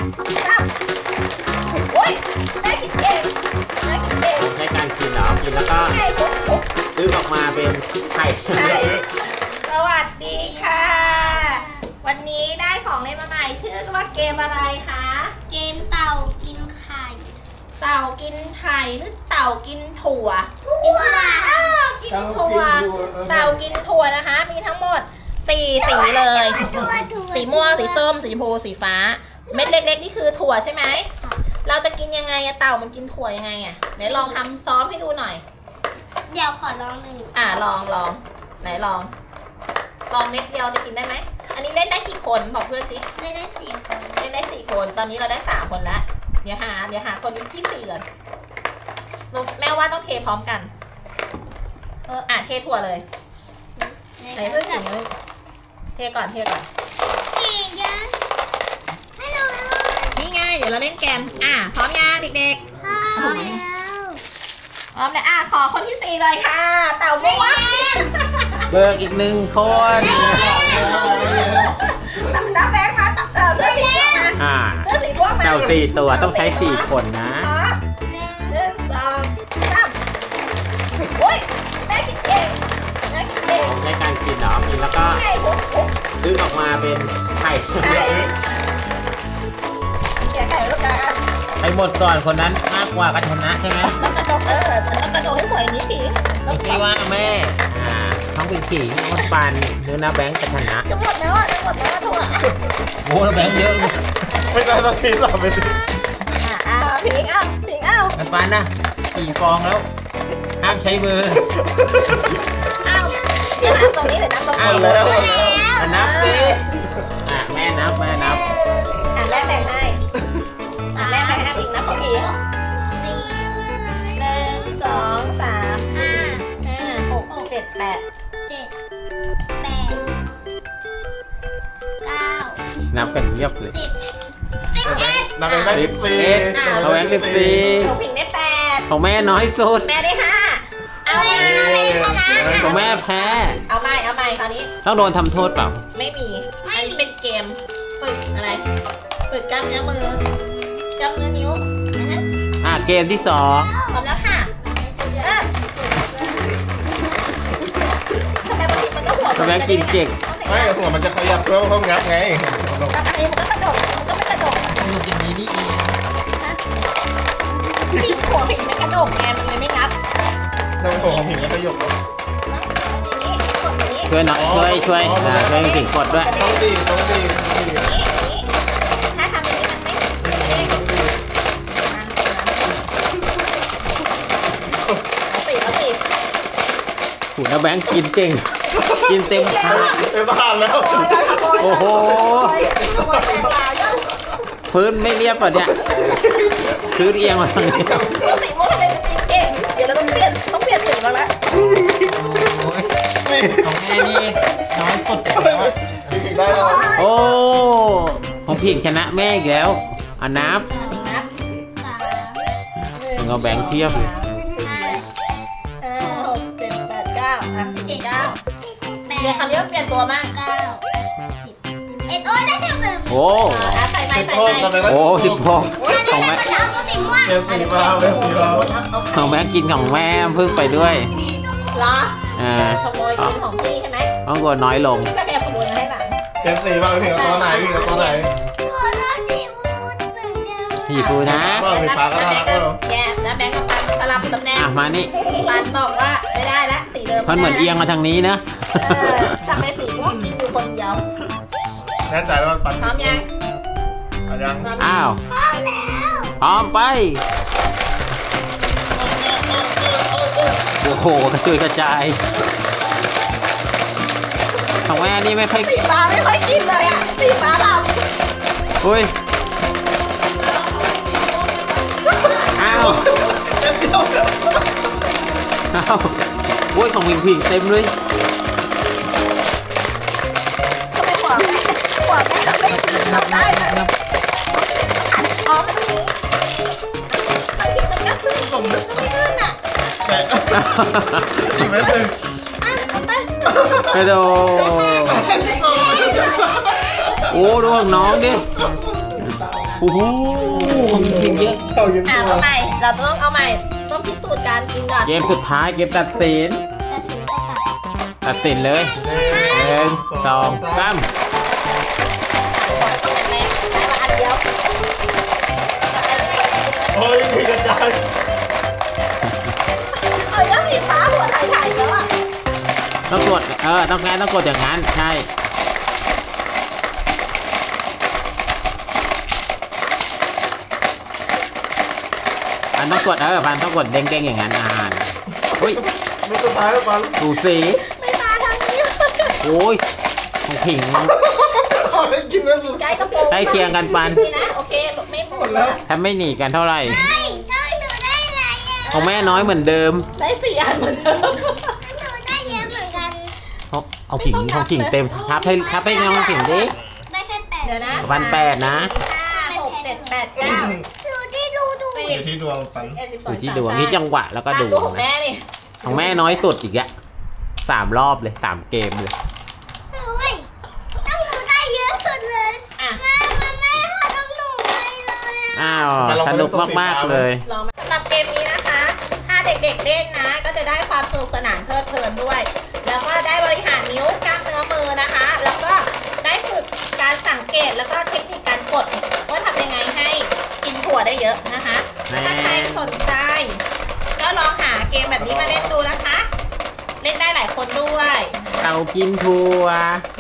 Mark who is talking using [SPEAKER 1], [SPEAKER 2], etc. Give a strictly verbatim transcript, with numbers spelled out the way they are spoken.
[SPEAKER 1] สามโอ้ยแม่กินเองแม่กินเอง
[SPEAKER 2] ใช้การกินเหรอกินแล้วก็
[SPEAKER 1] ไข่ปุ๊บปุ๊บ
[SPEAKER 2] ดึงออกมาเป็นไข่
[SPEAKER 1] ใช่สวัสดีค่ะ วันนี้ได้ของเล่นมาใหม่ชื่อว่าเกมอะไรคะ
[SPEAKER 3] เกมเต่ากินไข่
[SPEAKER 1] เต่ากินไข่หรือเต่ากินถั่ว
[SPEAKER 3] ถั่ว
[SPEAKER 1] อ้าวกินถั่วเต่ากินถั่วนะคะ มีทั้งหมดสี่สีเลย
[SPEAKER 3] ถั่วถั่ว
[SPEAKER 1] สีม่วงสีส้มสีชมพูสีฟ้า เม็ดเล็กๆนี่คือถั่วใช่ไหมเราจะกินยังไงอะเต่ามันกินถั่วยังไงอะไหนลองทำซ้อมให้ดูหน่อย
[SPEAKER 3] เดี๋ยวขอลองหนึ่ง
[SPEAKER 1] อ่าลองลองไหนลอง ลองเม็ดเดียวจะกินได้ไหมอันนี้เล่นได้กี่คนบอกเพื่อนสิ
[SPEAKER 3] ได้ได้สี่คน
[SPEAKER 1] เล่นได้สี่คนตอนนี้เราได้สามคนแล้วเดี๋ยวหาเดี๋ยวหาคนที่สี่ก่อนลูกแม่ว่าต้องเทพร้อมกันเอออ่ะเทถั่วเลยไหนเพื่อนสิงเลยเทก่อนเทก่อน
[SPEAKER 3] เก่งยังฮัลโหล
[SPEAKER 1] นี่ไงเดี๋ยวเราเล่นแกมอ่ะพร้อมยังเด็ก
[SPEAKER 3] พ่อแล้ว
[SPEAKER 1] ๆพร้อมแล้วอ่ะขอคนที่สี่เลยค่ะ เต่าม่วง
[SPEAKER 2] เบิกอีกหนึ่งคน
[SPEAKER 1] น้ำแบงค์มาตับเต่าเสื้อสีม่วงมา
[SPEAKER 2] อ่า
[SPEAKER 1] เสื้อสีม่วงมา
[SPEAKER 2] เต่าสี่ตัวต้องใช้สี่คนนะ
[SPEAKER 1] พร้อม
[SPEAKER 3] หนึ่ง
[SPEAKER 1] หนึ่งสองสามโอ้ยแม่กินเองแม่กินเอง
[SPEAKER 2] ใช้การกินเหรอกินแล้วก็
[SPEAKER 1] ไข่ปุ๊บปุ๊บ
[SPEAKER 2] ดึงออกมาเป็นไข่
[SPEAKER 1] ไข่เขียนไข่ลูกกระดาษ
[SPEAKER 2] ไปหมดก่อนคนนั้นมากกว่าก็ชนะใช่ไหม
[SPEAKER 1] ต้องกระดกเออต้องกระดกให้สวยนี้ผีต้
[SPEAKER 2] ไม่
[SPEAKER 1] อง
[SPEAKER 2] ใช่ว่าแม่อ่าท้องเป็นผีคนปานหรือนาแบงค์จะชนะ
[SPEAKER 1] จะหมดแล้วอ่ะจะหมดแล้วถั่ว
[SPEAKER 2] โอ้นาแบงค์เยอะ
[SPEAKER 4] ไม่ได้ต้องคิดหรอกไปสิ
[SPEAKER 1] อ่ะอ่ะผิงเอ้าผิงเอ้า
[SPEAKER 2] มันปานนะสี่ฟองแล้วห้ามใช้มือ
[SPEAKER 1] เอ้าเดี๋ยวนับตรงนี้เดี๋ยวนับตรง
[SPEAKER 2] อ้าว
[SPEAKER 1] นี้
[SPEAKER 2] แล้ว
[SPEAKER 1] อ่ะ
[SPEAKER 2] อ่ะนับสิอ่ะแม่นับแม่นับ
[SPEAKER 1] แม่แบ่งให้อ่ะแม่แบ่งให้ผิงนับของผิง
[SPEAKER 3] สี่
[SPEAKER 1] หนึ่งสองสาม
[SPEAKER 3] ห้า
[SPEAKER 1] ห้าหกเจ็ดแปด
[SPEAKER 3] เจ็ดแปดเก้า
[SPEAKER 2] นับกันเงียบเลย
[SPEAKER 3] สิบสิบเอ็ด
[SPEAKER 4] นับเป็นได้
[SPEAKER 2] สิ
[SPEAKER 4] สิ
[SPEAKER 2] บบ
[SPEAKER 4] ปี
[SPEAKER 2] เอ็ดเอาแบงค์สิบสี่
[SPEAKER 1] ของผิงได้แปด
[SPEAKER 2] ของแม่น้อยสุด
[SPEAKER 1] แม่ได้ห้าเอา
[SPEAKER 3] เอา
[SPEAKER 1] ใหม่
[SPEAKER 3] แล้วไม่ชนะ
[SPEAKER 2] ของแม่แพ้
[SPEAKER 1] เอาใหม่เอาใหม่คราวนี้
[SPEAKER 2] ต้องโดนทำโทษเปล่า
[SPEAKER 1] ไม่มี อันนี้เป็นเกม ฝึกอะไร ฝึกกล้ามเนื้อมือกล้ามเนื้อนิ้ว
[SPEAKER 2] อ่ะเกมที่สอง
[SPEAKER 1] พร้อมแล้วค่ะเริ่มทำไมบางทีมันก็หัว
[SPEAKER 2] กำลังกินเก่ง
[SPEAKER 4] ไม่หัวมันจะขยับเพื่อเพิ่มงับไง
[SPEAKER 1] บางทีมันก็กระโดดมันก็ไม่กระโดด
[SPEAKER 2] มันอย่างนี้นี่เอง
[SPEAKER 1] ผิดหัวผิดไม่กระโดดไงมันเลยไม่งับ
[SPEAKER 4] ทำไมหัวของผิงไม่ขยับ
[SPEAKER 1] อย่างนี้กดอย่างนี้
[SPEAKER 2] ช่วยหน่อยช่วยช่วยอ่าช่วยผิงกดด้วย
[SPEAKER 4] ต้องดีต้องดีต้องดี
[SPEAKER 1] อย่างนี้อย่างนี้ถ้าทำอย่างนี้มันไม่ไม่ไม่
[SPEAKER 4] ต้องดี
[SPEAKER 1] เอาสิเอาสิ
[SPEAKER 2] หูน้าแบงค์กินเก่ง กินเต็มคา
[SPEAKER 4] เป็นบ้านแล้ว
[SPEAKER 2] โอ้โห
[SPEAKER 1] ขโมยแตงลายด้วย
[SPEAKER 2] พื้นไม่เรียบป่ะเนี่ยพื้นเอียงมาทางนี้
[SPEAKER 1] สีม่วงทำไมมันตีเก่งเดี๋ยวเราต้องเปลี่ยนต้องเปลี่ยนสีแล้วละ
[SPEAKER 4] นี่
[SPEAKER 2] ของแม่นี่น้อยสุดแล้วอะ
[SPEAKER 4] ผิงได้แล้ว
[SPEAKER 2] โอ้ของผิงชนะแม่อีกแล้วอ่ะนับ
[SPEAKER 1] อีกนับ
[SPEAKER 3] สาม
[SPEAKER 2] ถึงเอาแบงค์เทียบเลย
[SPEAKER 3] ห้า
[SPEAKER 1] ห้าหกเจ็ดแปดเก้าอ่ะสิบ
[SPEAKER 3] เจ็ด
[SPEAKER 1] เก้า
[SPEAKER 3] แป
[SPEAKER 1] เดี๋ยว
[SPEAKER 3] ด
[SPEAKER 1] คราวนี้เราเปลี่ยนตัวมาก
[SPEAKER 3] เก้าสิบเอ็ดโอ้ยได้เท่าเดิม
[SPEAKER 2] โอ้
[SPEAKER 1] อ่ะใส่ไม้
[SPEAKER 4] สิบ
[SPEAKER 1] ใส่
[SPEAKER 4] หก
[SPEAKER 1] ไม้
[SPEAKER 4] ทำไมได้
[SPEAKER 2] โอ้สิบหก
[SPEAKER 3] ถ้า
[SPEAKER 2] ของ
[SPEAKER 3] ได้
[SPEAKER 2] แม่
[SPEAKER 3] มันจะเอาตัวสีม่วง
[SPEAKER 4] เกมสีฟ้าเป็นสีฟ้า
[SPEAKER 2] ของแบงค์กินของแม่เพิ่งไปด้วย
[SPEAKER 1] เหรอ
[SPEAKER 2] อ่า
[SPEAKER 1] ขโมยกินของพี่ใช่ไหม
[SPEAKER 2] ต้องกดน้อยลง
[SPEAKER 1] ก็แอบขโมยมาให้หลัง
[SPEAKER 4] เกมสีฟ้าผิงกับตัวไหนผิงกับตัวไหน
[SPEAKER 3] ขอโทษทีพูดเหมือนเดิม
[SPEAKER 2] พี่ฟูนะ
[SPEAKER 4] ว่าสีฟ้าก็น่ารักแล้ว
[SPEAKER 1] แย่แล้วแบงค์กับปันสลับตำแหน่ง
[SPEAKER 2] อ่ะมานี่
[SPEAKER 1] ปันบอกว่าไม่ได้ละสีเดิม
[SPEAKER 2] มันเหมือนเอียงมาทางนี้นะ
[SPEAKER 1] เออทำไมสีม่วงกินอยู่คนเดียว
[SPEAKER 4] แน่ใจว่ามันปัน
[SPEAKER 1] พร้อมยัง
[SPEAKER 4] เอายัง
[SPEAKER 1] พร้อม
[SPEAKER 2] อ้าว
[SPEAKER 3] พร้อมแล้ว
[SPEAKER 2] พร้อมไป โอ้โหกระจุยกระจายของแม่นี่ไม่ค่อย
[SPEAKER 1] สีฟ้าไม่ค่อยกินเลยอ่ะสีฟ้าเรา
[SPEAKER 2] อุ้ย อ้าวอ้าวโอ้ยของพิงพิงเต็มเลย
[SPEAKER 1] ทำไมหัวแม่หัวแม่ไม่กินทำได้เลยอ๋อมันตรงนี้บางทีมันก็ขึ้นผมก็ไม่ขึ้นอ่ะ
[SPEAKER 4] แกะอีกไม่ถึง
[SPEAKER 1] อ่ะเอาไป
[SPEAKER 2] กระโดดโอ้ดูของน้องดิโอ้โหกินเยอะ
[SPEAKER 4] เข้ายิน
[SPEAKER 1] อ่ะ
[SPEAKER 4] ตัว
[SPEAKER 1] เอาใหม่เราต้องเอาใหม่ต้องพิสูจน์การกินก่อน
[SPEAKER 2] เกมสุดท้ายเกมตัดสิน
[SPEAKER 3] แต่สีจะตัด
[SPEAKER 2] ตัดสินเลยหนึ่งสองสาม
[SPEAKER 1] ต้องแรงๆได้มาอันเดียว
[SPEAKER 4] เฮ้ยมีกระจาย
[SPEAKER 1] เอ้ยแล้วสีฟ้าหัวถ่ายๆแล้วอ่ะ
[SPEAKER 2] ต้องกดเออต้องงั้นต้องกดอย่างนั้นใช่ปันต้องกดเออปันต้องกดเด้งๆอย่างนั้นอ่านอุ้ย
[SPEAKER 4] มีสุดท้ายแล้วปัน
[SPEAKER 2] ดูสี
[SPEAKER 1] ไม่มาทางนี้
[SPEAKER 2] โอ้ยของผิง
[SPEAKER 4] เอาได้กินแล้วสุด
[SPEAKER 1] ใกล้กระโปรง
[SPEAKER 2] ใกล้เคียงกันปัน
[SPEAKER 1] นี่นะโอเคไม่หมดแล้ว
[SPEAKER 2] ถ้าไม่หนีกันเท่าไหร่
[SPEAKER 3] เฮ้ยถ้าหนูได้อะไรอ่ะ
[SPEAKER 2] ของแม่น้อยเหมือนเดิม
[SPEAKER 1] ได้สี่อันเหมือนเดิม
[SPEAKER 3] หนูได้เยอะเหมือนกัน
[SPEAKER 2] เอาเอาผิงของผิงเต็มทับให้ทับให้น้องผิงดิ
[SPEAKER 3] ได้แค่แปด
[SPEAKER 1] เดี๋ยวนะ
[SPEAKER 2] วันแปดนะ
[SPEAKER 1] ห้าหกเจ็ดแปดเก้า
[SPEAKER 3] ดูที่ดูดู
[SPEAKER 1] สิ
[SPEAKER 4] อบ ยู่ที่ดวงปัน
[SPEAKER 1] เอ็ดสิบส
[SPEAKER 2] อ
[SPEAKER 1] อง
[SPEAKER 2] ยู่ที่ดวงที่จังหวะแล้วก็ดู
[SPEAKER 1] ดูของ
[SPEAKER 2] นะ
[SPEAKER 1] แม่นี่
[SPEAKER 2] ของแม่น้อยสุดอีกอะสามรอบเลยสามเกมเลย
[SPEAKER 3] เฮ้ยต้องหนูได้เยอะสุดเลย
[SPEAKER 1] อ่ะ
[SPEAKER 3] แม่มันแม่หาต้องหนูไปเลยอ่ะ
[SPEAKER 2] อ้าวสนุกมากๆเลย
[SPEAKER 1] ลองมาสำหรับเกมนี้นะคะ ถ้าเด็กๆเล่นนะ ก็จะได้ความสนุกสนานเพลิดเพลินด้วย แล้วก็ได้บริหารนิ้วกล้ามเนื้อมือนะคะ แล้วก็ได้ฝึกการสังเกตแล้วก็เทคนิคการกดว่าทำยังไงให้กินถั่วได้เยอะนะคะ
[SPEAKER 2] แม่
[SPEAKER 1] ถ้าใครสนใจก็ลองหาเกมแบบนี้มาเล่นดูนะคะ เล่นได้หลายคนด้วย
[SPEAKER 2] เต่ากินทัวร์